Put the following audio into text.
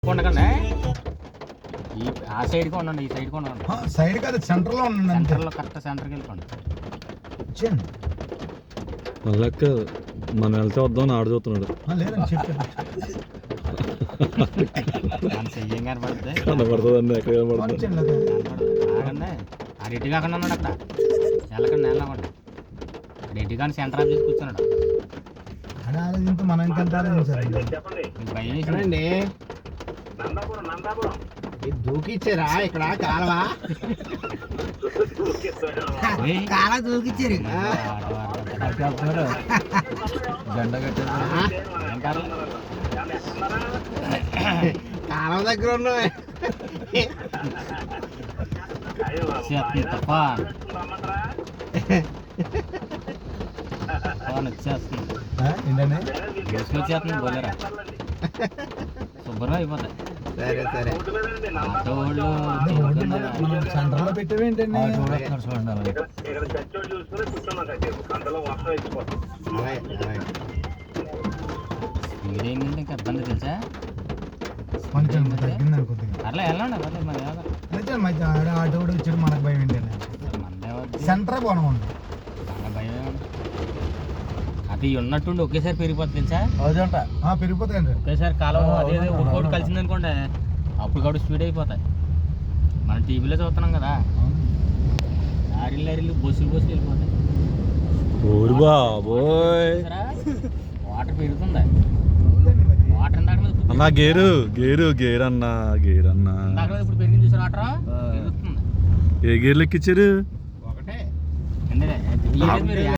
ఉండకండి ఆ సైడ్కి ఉండండి, ఈ సైడ్కి ఉండండి. సైడ్ కాదు, సెంటర్లో ఉండండి. సెంటర్లో కరెక్ట్ సెంటర్కి వెళ్ళిపోండి. మళ్ళక్క మనం వెళ్తే వద్దామని ఆడు చూస్తున్నాడు. లేదండి చెప్పాను. చెయ్యం కనపడుతుంది, కనబడుతుందండి, ఎక్కడ కనబడుతుంది. ఆగండి. ఆడు ఎటు కాకుండా ఉన్నాడు అక్కడ. వెళ్ళకండి, వెళ్ళకండి. ఆడు ఎటు కానీ సెంటర్ ఆఫీస్ కూర్చున్నాడు. అది ఆలోచించి మనం ఇంకెంత ఆలోచించాలి. మీకు భయం వేసిందండి. దూకిచ్చారా ఇక్కడ కాలవా? కాల దూకిచ్చారు. జెండా కట్టారు. కాలువ దగ్గర ఉన్నాయి. వచ్చేస్తుంది, ఏంటండి వచ్చేస్తుంది. బోలేరా శుభ్రం అయిపోతాయి. సరే సరే. ఆటో వాళ్ళు సెంటర్లో పెట్టేవి ఏంటండి? స్పీడ్ ఏంటంటే ఇంకా ఇబ్బంది తెలుసా. కొంచెం తగ్గింది అనుకుంటుంది. అట్లా వెళ్ళండి, అట్లా మరి అయితే మధ్య ఆటో కూడా వచ్చాడు, మనకు భయం ఏంటండి? సెంటర్ పోనమండి, భయం. అది ఉన్నట్టుండి ఒకేసారి పెరిగిపోతుంది తెలుసా. పెరిగిపోతాయండి ఒకేసారి కాలం అదే ఒక్కోటి కలిసింది అనుకోండి, అప్పుడు కాబట్టి స్పీడ్ అయిపోతాయి. మనం టీవీలో చూస్తున్నాం కదా, లారీలు బస్సులు వెళ్ళిపోతాయి. ఓరి బాబోయ్, వాటర్ పెరుగుతుంది. వాటర్ ఇందాక అన్నా గేరు గేరు గేర్ అన్నా, గేర్ అన్నా. ఇప్పుడు పెరిగింది చూసారు, వాటర్ పెరుగుతుంది. ఏ గేర్లు ఎక్కిచ్చారు? ఒకటే